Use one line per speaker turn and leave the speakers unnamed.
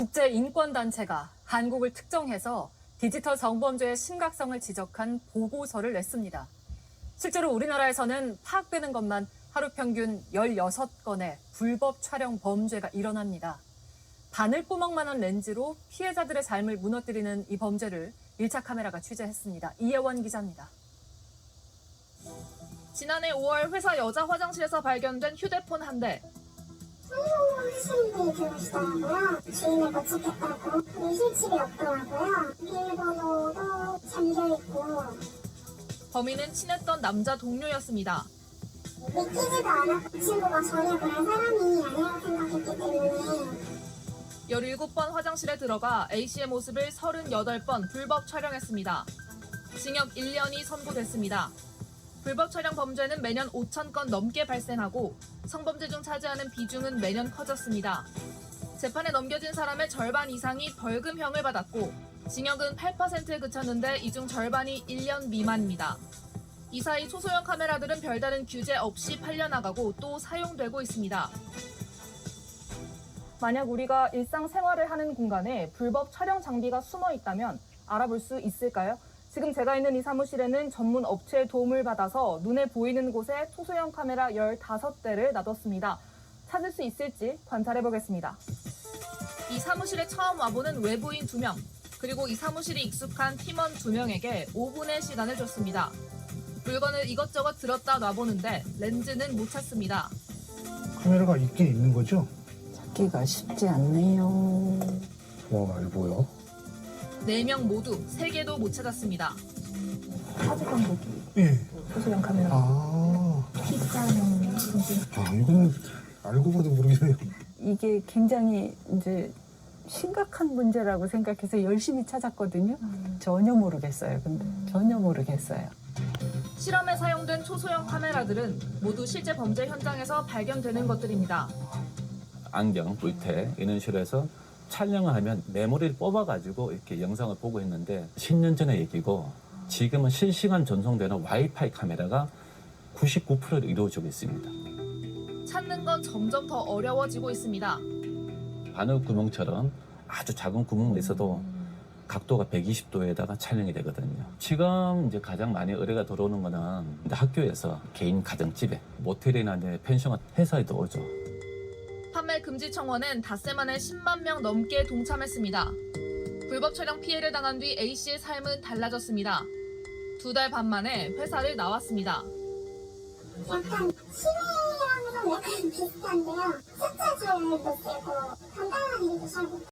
국제인권단체가 한국을 특정해서 디지털 성범죄의 심각성을 지적한 보고서를 냈습니다. 실제로 우리나라에서는 파악되는 것만 하루 평균 16건의 불법 촬영 범죄가 일어납니다. 바늘구멍만한 렌즈로 피해자들의 삶을 무너뜨리는 이 범죄를 1차 카메라가 취재했습니다. 이혜원 기자입니다.
지난해 5월 회사 여자 화장실에서 발견된 휴대폰 한 대.
하시는 분이 들어오시더라고요. 주인을 못 찾겠다고. 실집이 없더라고요. 비밀번호도 잠겨있고.
범인은 친했던 남자 동료였습니다.
믿기지도 않았고 친구가 전혀 그런 사람이 아니라고 생각했기 때문에
17번 화장실에 들어가 A씨의 모습을 38번 불법 촬영했습니다. 징역 1년이 선고됐습니다. 불법 촬영 범죄는 매년 5,000건 넘게 발생하고 성범죄 중 차지하는 비중은 매년 커졌습니다. 재판에 넘겨진 사람의 절반 이상이 벌금형을 받았고 징역은 8%에 그쳤는데 이 중 절반이 1년 미만입니다. 이 사이 초소형 카메라들은 별다른 규제 없이 팔려나가고 또 사용되고 있습니다.
만약 우리가 일상생활을 하는 공간에 불법 촬영 장비가 숨어 있다면 알아볼 수 있을까요? 지금 제가 있는 이 사무실에는 전문 업체의 도움을 받아서 눈에 보이는 곳에 초소형 카메라 15대를 놔뒀습니다. 찾을 수 있을지 관찰해보겠습니다.
이 사무실에 처음 와보는 외부인 2명, 그리고 이 사무실이 익숙한 팀원 2명에게 5분의 시간을 줬습니다. 물건을 이것저것 들었다 놔보는데 렌즈는 못 찾습니다.
카메라가 있긴 있는 거죠?
찾기가 쉽지 않네요.
와, 이거 뭐야?
4명 모두 3개도 못 찾았습니다.
사진 감독이
예.
초소형 카메라.
이거는 알고 봐도 모르겠네요.
이게 굉장히 이제 심각한 문제라고 생각해서 열심히 찾았거든요. 전혀 모르겠어요. 근데 전혀 모르겠어요.
실험에 사용된 초소형 카메라들은 모두 실제 범죄 현장에서 발견되는 것들입니다.
안경, 물태 이런 식으로 해서 촬영을 하면 메모리를 뽑아가지고 이렇게 영상을 보고 했는데 10년 전의 얘기고 지금은 실시간 전송되는 와이파이 카메라가 99%로 이루어지고 있습니다.
찾는 건 점점 더 어려워지고 있습니다.
바늘 구멍처럼 아주 작은 구멍이 있어도 각도가 120도에다가 촬영이 되거든요. 지금 이제 가장 많이 의뢰가 들어오는 거는 학교에서 개인 가정집에 모텔이나 이제 펜션 회사에도 오죠.
판매 금지 청원엔 닷새 만에 10만 명 넘게 동참했습니다. 불법 촬영 피해를 당한 뒤 A씨의 삶은 달라졌습니다. 2달 반 만에 회사를 나왔습니다.
약간 시위랑도 약간 비슷한데요. 숫자 조율도 쓰고 간단한 일도 잘